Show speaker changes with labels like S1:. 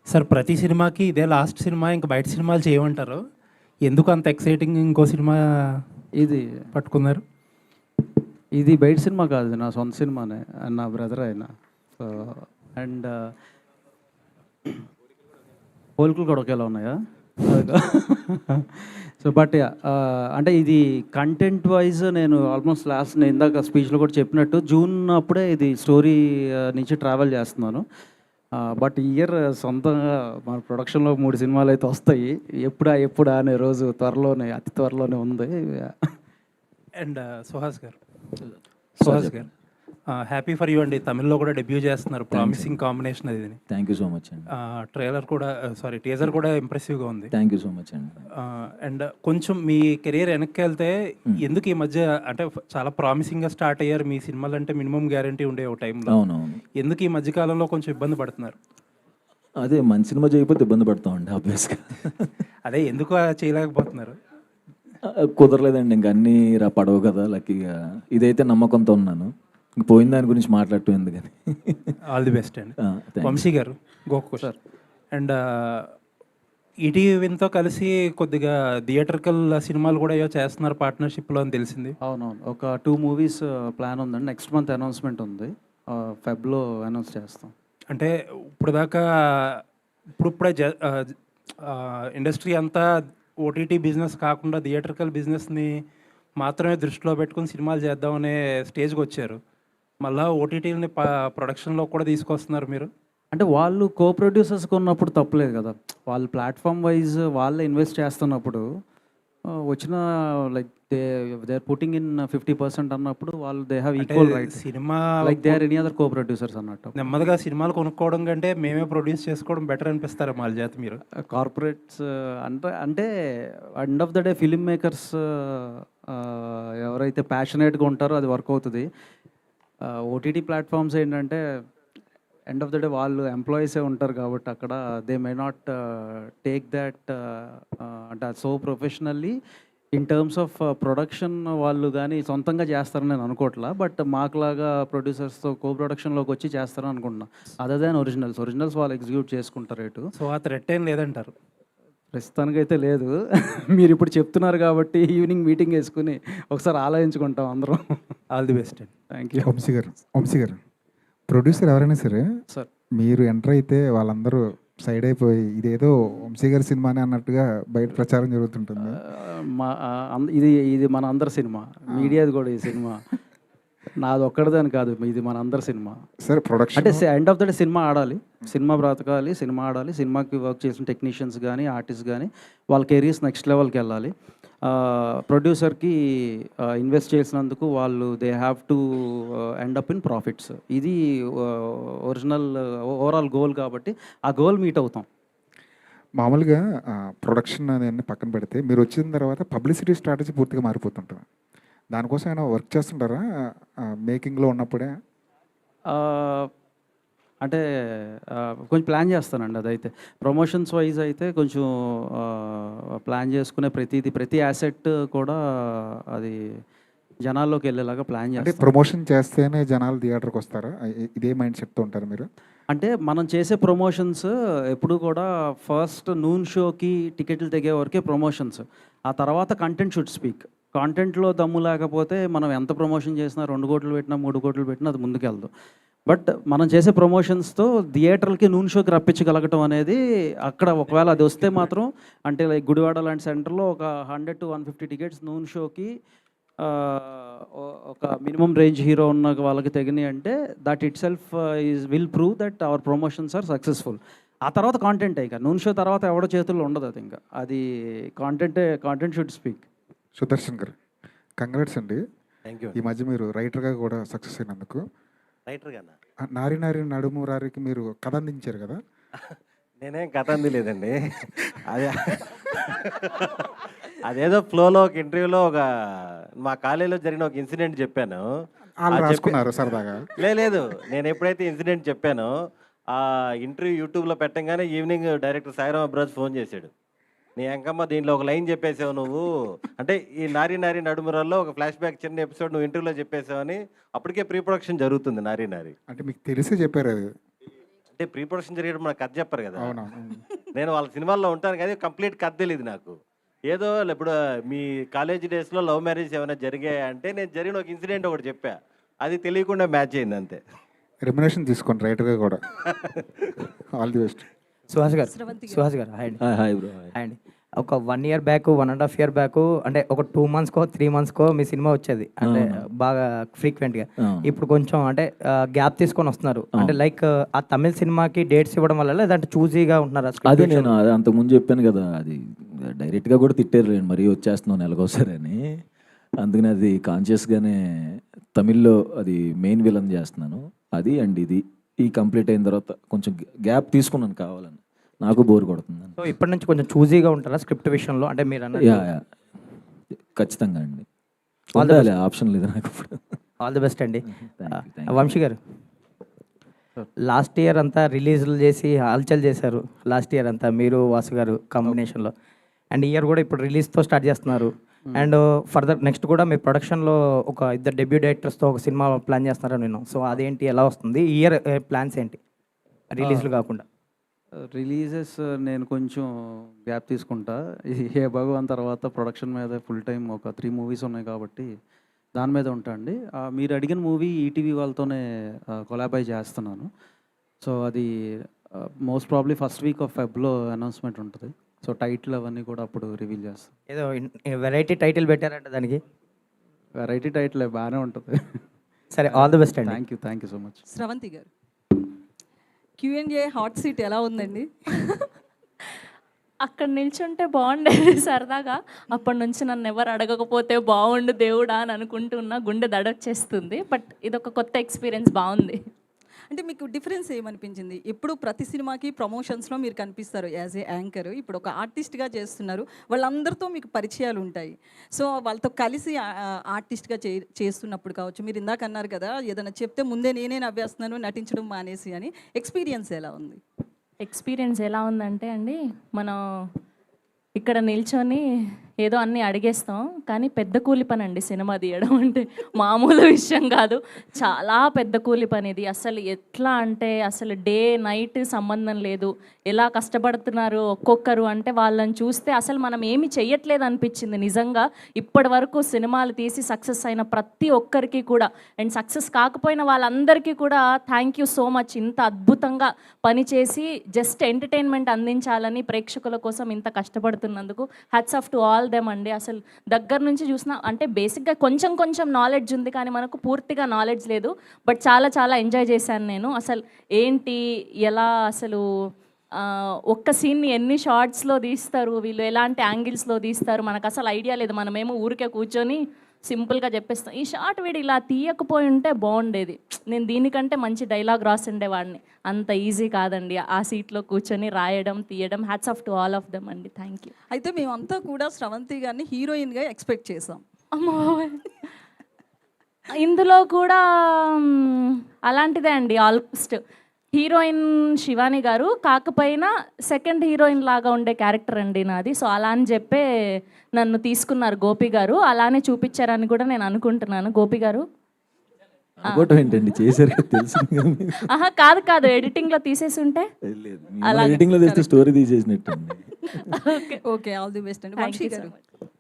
S1: Sir ప్రతి సినిమాకి ఇదే లాస్ట్ సినిమా ఇంకా బయట సినిమాలు చేయమంటారు. ఎందుకు అంత ఎక్సైటింగ్ ఇంకో సినిమా
S2: ఇది
S1: పట్టుకున్నారు?
S2: ఇది బయట సినిమా కాదు, నా సొంత సినిమానే. నా బ్రదర్ ఆయన. సో అండ్ పోలికలు కూడా ఒకేలా ఉన్నాయా? సో బట్ అంటే ఇది కంటెంట్ వైజ్ నేను ఆల్మోస్ట్ నేను ఇందాక స్పీచ్లో కూడా చెప్పినట్టు జూన్ అప్పుడే ఇది స్టోరీ నుంచి ట్రావెల్ చేస్తున్నాను. బట్ ఇయర్ సొంతంగా మన ప్రొడక్షన్లో 3 సినిమాలు అయితే వస్తాయి. ఎప్పుడా అనే రోజు అతి త్వరలోనే ఉంది.
S1: అండ్ సుహాస్ గారు హ్యాపీ ఫర్ యూ అండి. తమిళ్లో కూడా డెబ్యూ చేస్తున్నారు. ప్రామిసింగ్ కాంబినేషన్ అది.
S3: థ్యాంక్ యూ సో మచ్ అండి.
S1: ట్రైలర్ కూడా టీజర్ కూడా ఇంప్రెసివ్గా ఉంది.
S3: థ్యాంక్ యూ సో మచ్ అండి.
S1: అండ్ కొంచెం మీ కెరియర్ వెనక్కి వెళ్తే ఎందుకు ఈ మధ్య అంటే చాలా ప్రామిసింగ్గా స్టార్ట్ అయ్యారు మీ సినిమాలు, అంటే మినిమం గ్యారంటీ ఉండే ఒక టైంలో.
S3: అవునవును.
S1: ఎందుకు ఈ మధ్యకాలంలో కొంచెం ఇబ్బంది పడుతున్నారు?
S3: అదే మంచి సినిమా చేయకపోతే ఇబ్బంది పడతామండి ఆబ్వియస్గా.
S1: అదే ఎందుకు చేయలేకపోతున్నారు?
S3: కుదరలేదండి, ఇంక అన్నీ పడవు కదా లక్కీగా. ఇదైతే నమ్మకంతో ఉన్నాను. ఇంక పోయిన దాని గురించి మాట్లాడటం ఎందుకని.
S1: ఆల్ ది బెస్ట్ అండి. వంశీ గారు గోకు సార్. అండ్ ఈటీవీతో కలిసి కొద్దిగా థియేటర్కల్ సినిమాలు కూడా ఏవో చేస్తున్నారు పార్ట్నర్షిప్లో అని తెలిసింది.
S2: అవునవును, ఒక 2 మూవీస్ ప్లాన్ ఉందండి. నెక్స్ట్ మంత్ అనౌన్స్మెంట్ ఉంది. ఫెబ్లో అనౌన్స్ చేస్తాం.
S1: అంటే ఇప్పుడే ఇండస్ట్రీ అంతా ఓటీటీ బిజినెస్ కాకుండా థియేటర్కల్ బిజినెస్ని మాత్రమే దృష్టిలో పెట్టుకుని సినిమాలు చేద్దామనే స్టేజ్కి వచ్చారు. మళ్ళీ ఓటీటీని ప్రొడక్షన్లో కూడా తీసుకొస్తున్నారు మీరు.
S2: అంటే వాళ్ళు కో ప్రొడ్యూసర్స్గా ఉన్నప్పుడు తప్పలేదు కదా. వాళ్ళు ప్లాట్ఫామ్ వైజ్ వాళ్ళే ఇన్వెస్ట్ చేస్తున్నప్పుడు వచ్చిన like they are putting in 50% అన్నప్పుడు వాళ్ళు they have equal right.
S1: Cinema
S2: like they are any other co producers అన్నట్టు.
S1: నెమ్మదిగా సినిమాలు కొనుక్కోవడం కంటే మేమే ప్రొడ్యూస్ చేసుకోవడం బెటర్ అనిపిస్తారు వాళ్ళ చేత మీరు.
S2: కార్పొరేట్స్ అంటే end of the day film makers ఎవరైతే ప్యాషనేట్గా ఉంటారో అది వర్క్ అవుతుంది. ఓటీటీ ప్లాట్ఫామ్స్ ఏంటంటే ఎండ్ ఆఫ్ ద డే వాళ్ళు ఎంప్లాయీసే ఉంటారు కాబట్టి అక్కడ they may not take that అంటే so professionally in terms of production వాళ్ళు కానీ సొంతంగా చేస్తారని నేను అనుకోవట్లా. బట్ మాకులాగా ప్రొడ్యూసర్స్తో కో ప్రొడక్షన్లోకి వచ్చి చేస్తారని అనుకుంటున్నా. అదర్ దాన్ ఒరిజినల్స్ వాళ్ళు ఎగ్జిక్యూట్ చేసుకుంటారు రేటు.
S1: సో ఆ థ్రెట్ ఏం లేదంటారు?
S2: ప్రస్తుతానికైతే లేదు. మీరు ఇప్పుడు చెప్తున్నారు కాబట్టి ఈవినింగ్ మీటింగ్ వేసుకుని ఒకసారి ఆలోచించుకుంటాం అందరం.
S1: ఆల్ ది బెస్ట్ అండి.
S2: Thank you.
S4: Vamshi garu producer ఎవరైనా సరే
S2: సార్,
S4: మీరు ఎంటర్ అయితే వాళ్ళందరూ సైడ్ అయిపోయి ఇదేదో వంశీ గారి సినిమానే అన్నట్టుగా బయట ప్రచారం జరుగుతుంటుంది.
S2: ఇది మన అందరి సినిమా, మీడియాది కూడా ఈ సినిమా నాది ఒక్కడిదని కాదు, ఇది మన అందరి సినిమా.
S4: సరే ప్రొడక్షన్
S2: అంటే end of the day cinema ఆడాలి, సినిమా బ్రతకాలి, సినిమా ఆడాలి. సినిమాకి వర్క్ చేసిన టెక్నీషియన్స్ కానీ ఆర్టిస్ట్ కానీ వాళ్ళ కెరీర్స్ నెక్స్ట్ లెవెల్కి వెళ్ళాలి. ప్రొడ్యూసర్కి ఇన్వెస్ట్ చేసినందుకు వాళ్ళు they have to end up in profits. ఇది ఒరిజినల్ ఓవరాల్ గోల్ కాబట్టి ఆ గోల్ మీట్ అవుతాం.
S4: మామూలుగా ప్రొడక్షన్ అనేది పక్కన పెడితే మీరు వచ్చిన తర్వాత పబ్లిసిటీ స్ట్రాటజీ పూర్తిగా మారిపోతుంటుంది. దానికోసం ఏమైనా వర్క్ చేస్తుంటారా మేకింగ్లో ఉన్నప్పుడే?
S2: అంటే కొంచెం ప్లాన్ చేస్తానండి. అదైతే ప్రమోషన్స్ వైజ్ అయితే కొంచెం ప్లాన్ చేసుకునే ప్రతి యాసెట్ కూడా అది జనాల్లోకి వెళ్ళేలాగా ప్లాన్
S4: అంటే
S2: చేస్తాం.
S4: ప్రమోషన్ చేస్తేనే జనాలు థియేటర్కి వస్తారా? ఇదే మైండ్ సెట్తో ఉంటారు మీరు?
S2: అంటే మనం చేసే ప్రమోషన్స్ ఎప్పుడు కూడా ఫస్ట్ నూన్ షోకి టికెట్లు తెగే వరకే ప్రమోషన్స్. ఆ తర్వాత కంటెంట్ షుడ్ స్పీక్. కాంటెంట్లో దమ్ము లేకపోతే మనం ఎంత ప్రమోషన్ చేసినా 2 కోట్లు పెట్టినా 3 కోట్లు పెట్టినా అది ముందుకెళ్దు. బట్ మనం చేసే ప్రమోషన్స్తో థియేటర్కి నూన్ షోకి రప్పించగలగటం అనేది అక్కడ ఒకవేళ అది వస్తే మాత్రం, అంటే లైక్ గుడివాడ లాంటి సెంటర్లో ఒక 100 to 150 టికెట్స్ నూన్ షోకి ఒక మినిమం రేంజ్ హీరో ఉన్న వాళ్ళకి తెగినాయి అంటే that itself will prove that our promotions are successful. ఆ తర్వాత కాంటెంట్ ఇక నూన్ షో తర్వాత ఎవడో చేతుల్లో ఉండదు. అది ఇంకా అది content should speak.
S4: Sudarshan garu congrats అండి.
S5: Thank you.
S4: ఈ మధ్య మీరు రైటర్గా కూడా సక్సెస్ అయినందుకు.
S5: రైటర్గానా?
S4: నారి నారి నడుము రారికి మీరు కథ అందించారు కదా?
S5: నేనేం కథ అందిలేదండి. అదే అదేదో ఫ్లోలో ఒక ఇంటర్వ్యూలో మా కాలేజీలో జరిగిన ఒక ఇన్సిడెంట్ చెప్పాను.
S4: వాళ్ళు రాసుకున్నారు సరదాగా?
S5: లేదు, నేను ఎప్పుడైతే ఇన్సిడెంట్ చెప్పానో ఆ ఇంటర్వ్యూ యూట్యూబ్లో పెట్టంగానే evening director Sairam Abraj phone చేశాడు. నీ అంకమ్మ దీంట్లో ఒక లైన్ చెప్పేసావు నువ్వు, అంటే ఈ నారి నారి నడుమురాల్లో ఒక ఫ్లాష్ బ్యాక్ చిన్న ఎపిసోడ్ నువ్వు ఇంటర్వ్యూలో చెప్పేసావు అని. అప్పటికే ప్రీ ప్రొడక్షన్ జరుగుతుంది నారి నారి.
S4: అంటే మీకు తెలిసే చెప్పారు అది?
S5: అంటే ప్రీ ప్రొడక్షన్ జరిగేటప్పుడు మనకు కథ చెప్పరు కదా.
S4: అవునవును.
S5: నేను వాళ్ళ సినిమాల్లో ఉంటాను కానీ కంప్లీట్ కథ తెలియదు నాకు. ఏదో ఇప్పుడు మీ కాలేజ్ డేస్లో లవ్ మ్యారేజ్ ఏమైనా జరిగాయా అంటే నేను జరిగిన ఒక ఇన్సిడెంట్ ఒకటి చెప్పా, అది తెలియకుండా మ్యాచ్ అయింది అంతే.
S4: రెమ్యునేషన్ తీసుకోండి రైటర్గా కూడా. All the best.
S6: సుహాస్ గారు హాయ్ అండి.
S3: Hi bro.
S6: హాయ్ అండి. ఒక 1 year బ్యాక్ 1.5 year బ్యాక్ అంటే ఒక 2 monthsకో 3 monthsకో మీ సినిమా వచ్చేది అంటే బాగా ఫ్రీక్వెంట్గా. ఇప్పుడు కొంచెం అంటే గ్యాప్ తీసుకొని వస్తున్నారు అంటే లైక్ ఆ తమిళ సినిమాకి డేట్స్ ఇవ్వడం వల్ల లేదంటే చూజీగా ఉంటున్నారు.
S3: అదే నేను అదే అంతకుముందు చెప్పాను కదా, అది డైరెక్ట్గా కూడా తిట్టారు మరీ వచ్చేస్తున్నావు నెలకోసారి అని. అందుకని అది కాన్షియస్గానే తమిళ్లో అది మెయిన్ విలన్ చేస్తున్నాను. అది అండ్ ఇది ఈ కంప్లీట్ అయిన తర్వాత కొంచెం గ్యాప్ తీసుకున్నాను కావాలని, నాకు బోర్ కొడుతుంది.
S6: సో ఇప్పటి నుంచి కొంచెం చూజీగా ఉంటారా స్క్రిప్ట్ విషయంలో అంటే మీరు అన్న
S3: యా ఖచ్చితంగా అండి. ఉండాలి, ఆప్షన్ లేదు నాకు ఇప్పుడు.
S6: ఆల్ ది బెస్ట్ అండి.
S3: Thank you.
S6: Vamshi garu last year అంతా రిలీజ్లు చేసి హల్చల్ చేశారు. లాస్ట్ ఇయర్ అంతా మీరు వాసు గారు కాంబినేషన్లో, అండ్ ఇయర్ కూడా ఇప్పుడు రిలీజ్తో స్టార్ట్ చేస్తున్నారు. అండ్ ఫర్దర్ నెక్స్ట్ కూడా మీ ప్రొడక్షన్లో ఒక 2 డెబ్యూ డైరెక్టర్స్తో ఒక సినిమా ప్లాన్ చేస్తున్నారని విన్నాం. సో అదేంటి, ఎలా వస్తుంది ఈ ఇయర్ ప్లాన్స్ ఏంటి రిలీజ్లు కాకుండా?
S2: రిలీజెస్ నేను కొంచెం గ్యాప్ తీసుకుంటా. ఏ భగవాన్ తర్వాత ప్రొడక్షన్ మీద ఫుల్ టైం ఒక 3 movies ఉన్నాయి కాబట్టి దాని మీద ఉంటా అండి. మీరు అడిగిన మూవీ ఈటీవీ వాళ్ళతోనే కొలాబై చేస్తున్నాను. సో అది most probably first week of ఫెబ్లో అనౌన్స్మెంట్ ఉంటుంది. సో టైటిల్ అవన్నీ కూడా అప్పుడు రివీల్ చేస్తాం.
S6: ఏదో వెరైటీ టైటిల్ పెట్టారంట దానికి.
S2: వెరైటీ టైటిల్ బాగానే ఉంటుంది.
S6: సరే, ఆల్ ది బెస్ట్ అండి.
S2: Thank you so much.
S7: Sravanthi garu, Q&A hot seat ఎలా ఉందండి?
S8: అక్కడ నిల్చుంటే బాగుండేది సరదాగా. అప్పటి నుంచి నన్ను ఎవరు అడగకపోతే బాగుండు దేవుడా అని అనుకుంటున్నా, గుండె దడొచ్చేస్తుంది. బట్ ఇదొక కొత్త ఎక్స్పీరియన్స్, బాగుంది.
S7: అంటే మీకు డిఫరెన్స్ ఏమనిపించింది? ఎప్పుడు ప్రతి సినిమాకి ప్రమోషన్స్లో మీరు కనిపిస్తారు యాజ్ ఏ యాంకర్, ఇప్పుడు ఒక ఆర్టిస్ట్గా చేస్తున్నారు, వాళ్ళందరితో మీకు పరిచయాలు ఉంటాయి. సో వాళ్ళతో కలిసి ఆర్టిస్ట్గా చేస్తున్నప్పుడు కావచ్చు, మీరు ఇందాక అన్నారు కదా ఏదైనా చెప్తే ముందే నేనే నవ్వేస్తున్నాను నటించడం మానేసి అని, ఎక్స్పీరియన్స్ ఎలా ఉంది?
S8: ఎక్స్పీరియన్స్ ఎలా ఉందంటే అండి, మనం ఇక్కడ నిల్చొని ఏదో అన్నీ అడిగేస్తాం, కానీ పెద్ద కూలి పని అండి సినిమా తీయడం అంటే, మామూలు విషయం కాదు. చాలా పెద్ద కూలి పని ఇది. అసలు ఎట్లా అంటే అసలు డే నైట్ సంబంధం లేదు, ఎలా కష్టపడుతున్నారు ఒక్కొక్కరు అంటే వాళ్ళని చూస్తే అసలు మనం ఏమి చెయ్యట్లేదు అనిపించింది నిజంగా. ఇప్పటి వరకు సినిమాలు తీసి సక్సెస్ అయిన ప్రతి ఒక్కరికి కూడా, అండ్ సక్సెస్ కాకపోయిన వాళ్ళందరికీ కూడా థ్యాంక్ యూ సో మచ్. ఇంత అద్భుతంగా పనిచేసి జస్ట్ ఎంటర్టైన్మెంట్ అందించాలని ప్రేక్షకుల కోసం ఇంత కష్టపడుతున్నందుకు hats off to all them అండి. అసలు దగ్గర నుంచి చూసిన అంటే బేసిక్గా కొంచెం నాలెడ్జ్ ఉంది, కానీ మనకు పూర్తిగా నాలెడ్జ్ లేదు. బట్ చాలా ఎంజాయ్ చేశాను నేను. అసలు ఏంటి, ఎలా, అసలు ఒక్క సీన్ని ఎన్ని షార్ట్స్లో తీస్తారు వీళ్ళు, ఎలాంటి యాంగిల్స్లో తీస్తారు, మనకు అసలు ఐడియా లేదు. మనమేమో ఊరికే కూర్చొని సింపుల్గా చెప్పేస్తాం. ఈ షార్ట్ వీడు ఇలా తీయకపోయి ఉంటే బాగుండేది, నేను దీనికంటే మంచి డైలాగ్ రాసిండేవాడిని. అంత ఈజీ కాదండి ఆ సీట్లో కూర్చొని రాయడం, తీయడం. Hats off to all of them అండి. Thank you.
S7: అయితే మేమంతా కూడా స్రవంతి గారిని హీరోయిన్గా ఎక్స్పెక్ట్ చేసాం.
S8: అమ్మో, ఇందులో కూడా అలాంటిదే అండి. ఆల్మోస్ట్ హీరోయిన్ శివాని గారు కాకపోయినా సెకండ్ హీరోయిన్ లాగా ఉండే క్యారెక్టర్ అండి నాది. సో అలా అని చెప్పే నన్ను తీసుకున్నారు గోపి గారు, అలానే చూపించారని కూడా నేను అనుకుంటున్నాను. గోపి గారు
S3: ఏంటండి చేశారు కదా, తెలిసింది కదా మీకు.
S8: ఆహా, కాదు, ఎడిటింగ్లో తీసేసి ఉంటే
S3: ఎడిటింగ్ లో తెస్తే స్టోరీ తీసేసినట్టు.
S7: ఓకే, ఆల్ ది బెస్ట్ అండి.
S8: Thank
S7: Vamshi
S8: you so
S7: garu,
S8: much.